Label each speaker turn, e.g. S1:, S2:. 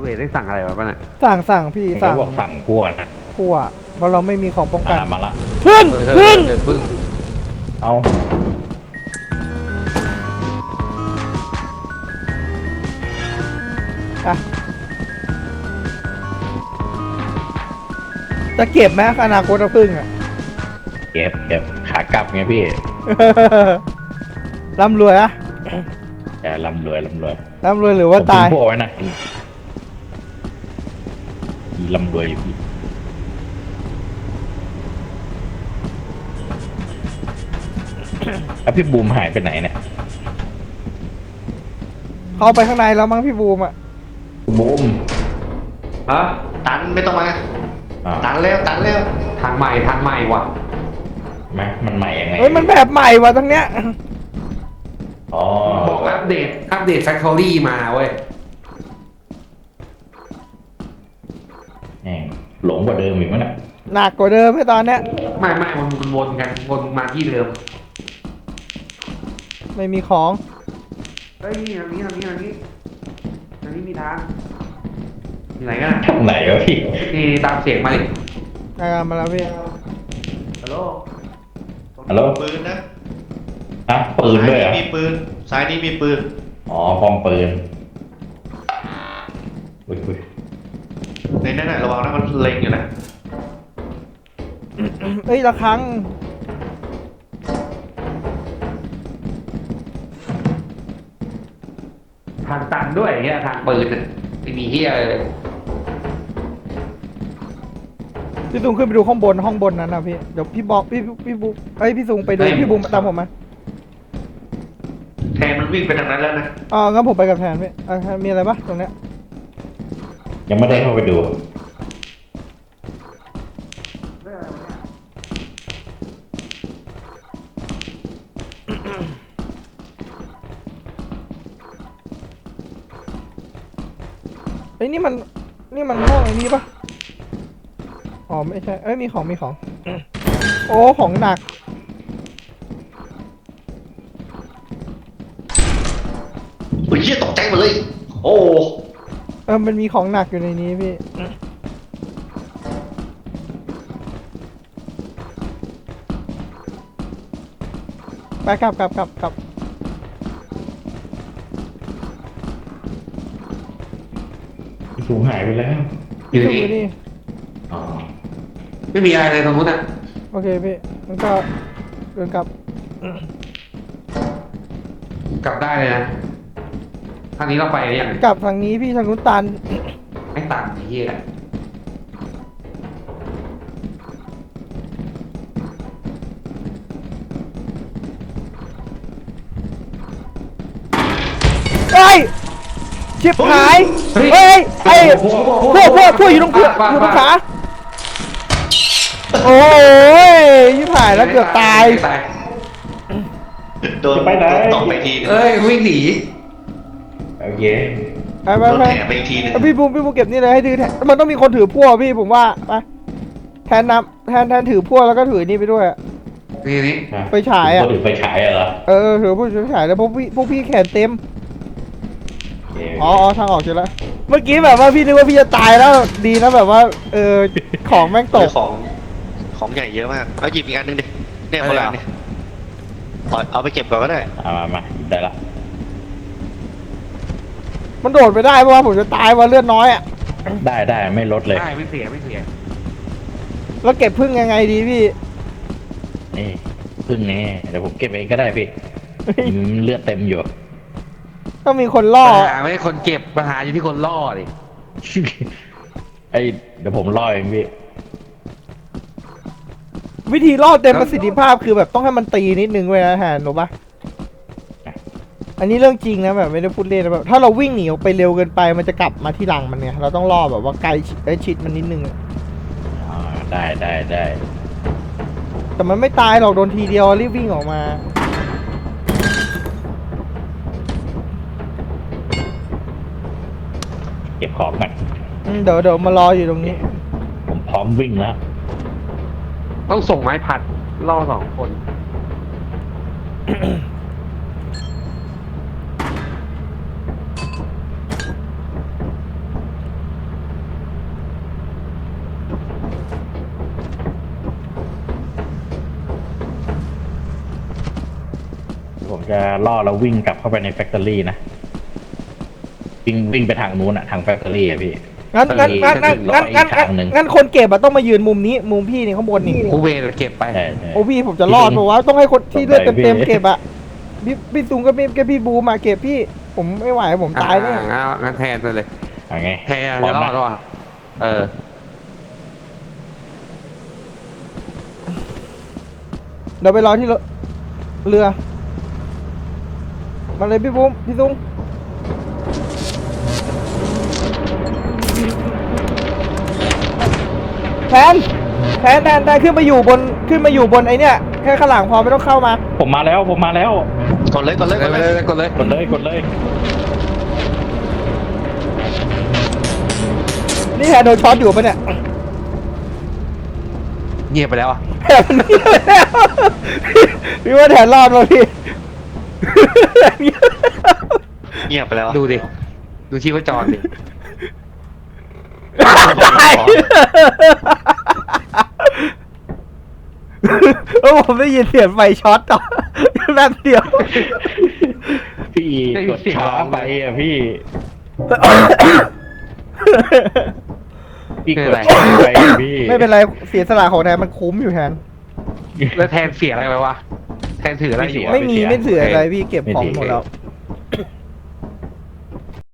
S1: วทได้สั่งอะไรมาป่ะเนี่ย
S2: สั่งพี่
S3: เขา
S2: สั่ง
S3: บอกสั่งพวกนะ
S2: พั่วเพราะเราไม่มีของป้องกัน
S3: มาละ
S2: พึ่ง
S1: พึ่ง
S3: เอา
S2: อ่ะจะเก็บไหมอนาคตพึ่งอ่ะ
S3: เก็บขากลับไงพี่
S2: ร่ำรวยอะ
S3: แต่ร่ำรวย
S2: ร่ำรวยหรือว่าตาย
S3: ผมทิ้งพวกไว้นะร่ำรวยอยู่พี่แล้วพี่บูมหายไปไหนเนี่ย
S2: เข้าไปข้างในแล้วมั้งพี่บูมอ่ะ
S3: บูม
S1: ฮะ
S4: ตันไม่ต้องมา
S3: อ่า
S4: ตันแล้ว
S1: ทางใหม่ว่ะ
S3: ไหมมันใหม่ยังไง
S2: เฮ้ยมันแบบใหม่ว่ะทั้งเนี้ย
S3: อ๋อ
S1: บอกอัปเดตแฟคทอรี่มาเว้ย
S3: แหม่งหลงกว่าเดิมอีกมั้งน่ะ
S2: หนักกว่าเดิมให้ตอนเนี้ย
S1: ไม่มันวนกันวนมาที่เดิม
S2: ไม่มีของ
S1: เฮ้ยนี่ทางนี้มีทางอยู่ไหนกัน
S3: ทางไหนวะพี่
S1: นี่ตามเสียงมาดิ
S2: มาแล้วพี่
S1: ฮัลโหล
S3: ฮัลโหล
S4: ปืนนะ
S3: อ่ะปืนด้วยเหรอ่ะ
S4: ซ้ามีปืนซ้ายนี้มีปืน
S3: อ๋อพร้อมปืนอุ้ย
S4: ในนั้นน่ะระวังนะมันเล็งอยู่นะ
S2: เอ้ยละครั้ง
S1: ทางตันด้วยเฮียทางปืนน่ะไม่มีเฮียเลย
S2: พี่ซุงขึ้นไปดูห้องบนนั้นนะพี่เดี๋ยวพี่บอกพี่บุ๊กพี่ซุงไปดูพี่บูมตามผมมา
S4: แทนมันวิ่งไปทางนั้นแล้วนะ
S2: งั้นผมไปกับแทนพี่มีอะไรปะตรงเนี้ย
S3: ยังไม่ได้เข้าไปดู
S2: เอ้ยนี่มันห้องไอ้นี้ปะอ๋อไม่ใช่มีของโอ้ของหนัก
S4: โอ้ยเหี้ยตกใจหมดเลย โอ้
S2: มันมีของหนักอยู่ในนี้พี่ไปกลับ
S3: สูงหายไปแล้ว
S1: อยู่
S2: พี่ซุง
S1: นี่
S2: นี่
S3: อ๋อ
S1: ไม่มีอะไรเลยตรงนู้นอ่ะ
S2: โอเคพี่มันก็เดินกลับ
S1: กลับได้เลยนะทางนี้เราไปหรือยัง
S2: กลับทางนี้พี่ทางนู้นตัน
S1: ไม่ตันไอ้เฮีย
S2: เฮ้ยชิบหายเฮ้ยไอ้พวกอยู่ตรงขาโอ้ยชิบหายแล้วเกือบตาย
S4: โดนตกไปทีนึง
S1: เอ้ยวิ่งหนี
S3: โอเค
S2: ไป
S4: โดนแถไปอีกทีนึง
S2: พี่บูมเก็บนี่เลยให้ถือแทนมันต้องมีคนถือพวกพี่ผมว่าไปแทนถือพวกแล้วก็ถือนี่ไปด้วย
S1: นี่
S2: ไปฉายอ่ะ
S3: ก็ถือไฟฉายเหรอ
S2: ถือพวกฉายแล้วพวกพี่แขนเต็ม
S3: โอเค
S2: ทางออกเจอแล้วเมื่อกี้แบบว่าพี่นึกว่าพี่จะตายแล้วดีนะแบบว่าของแม่งตก
S4: ของใหญ่เยอะมากเอาหยิบอีกอันนึงดิเนี่ยคนละอันเนี่ยเอาไปเก็บก่อนก็ได้
S3: มาได้ละ
S2: มันโดดไปได้เพราะว่าผมจะตายว่าเลือดน้อยอ่ะ
S3: ได้ไม่ลดเลย
S1: ได้ไม่เสีย
S2: แล้วเก็บพึ่งยังไงดีพี่
S3: นี่พึ่งนี่เดี๋ยวผมเก็บเองก็ได้พี่เลือดเต็มอยู่
S2: ต้องมีคนล่อ
S1: ปัญหาไม่ใช่คนเก็บปัญหาอยู่ที่คนล่อดิ
S3: เดี๋ยวผมล่อเองพี่
S2: วิธีล่อเต็มประสิทธิภาพคือแบบต้องให้มันตีนิดนึงเว้ยนะฮะหนูปะอันนี้เรื่องจริงนะแบบไม่ได้พูดเล่นนะแบบถ้าเราวิ่งหนีออกไปเร็วเกินไปมันจะกลับมาที่หลังมันเนี่ยเราต้องล่อแบบว่าไกลชิดมันนิดนึง
S3: ได้
S2: แต่มันไม่ตายหรอกโดนทีเดียวรีบวิ่งออกมา
S3: เก็บของก่อน
S2: เดี๋ยวมารออยู่ตรงนี้
S3: ผมพร้อมวิ่งแล้ว
S1: ต้องส่งไม้ผัดล่อ2 คน
S3: จะล่อแล้ววิ่งกลับเข้าไปในแฟคทอรี่นะวิ่งไปทางนู้นอะทางแฟคทอรี่อะพี่
S2: งั้น
S3: อีกทางหนึ่ง
S2: งั้นคนเก็บอะต้องมายืนมุมนี้มุมพี่นี่ข้างบนนี่
S5: กูเวรเก็บไป
S3: ใช่
S2: โอ้พี่ผมจะรอดเพราะว่าต้องให้คนที่เลือดเต็มๆเก็บอะพี่ตุงก็พี่บูมาเก็บพี่ผมไม่ไหวผมตายแน่
S5: งั้นแทนไปเลย
S3: เอาไง
S5: แทนจะรอดแล้วอ่ะเออ
S2: เดี๋ยวไปรอที่เรือมาเลยพี่บูมพี่ตุงแทนขึ้นมาอยู่บนไอเนี้ยแค่ข้างหลังพอไม่ต้องเข้ามา
S3: ผมมาแล้ว
S4: กดเลย
S5: กดเลย
S3: กดเลย
S2: นี่แทนโดนช็อตอยู่ปะเนี่ย
S5: เงียบไปแล้วอ่ะ
S2: แทนมันเงียบไปแล้วพี่ว่าแทนรอดมาพี่
S4: เงียบไปแล้ว
S5: ดูดิ ดูชีพจรดิ
S2: ตายโอ้ผมได้ยินเสียงไฟช็อตต่อแป๊บเดียว
S3: พี่กดช้าไปอะพี่กดช้าไปอะพี่
S2: ไม่เป็นไรเสียสละของแทนมันคุ้มอยู่แทน
S5: แล้วแทนเสียอะไรไปวะ แทนถืออะไรอยู่วะ
S2: ไม่เสืออะไรพี่เก็บของหมดแล้ว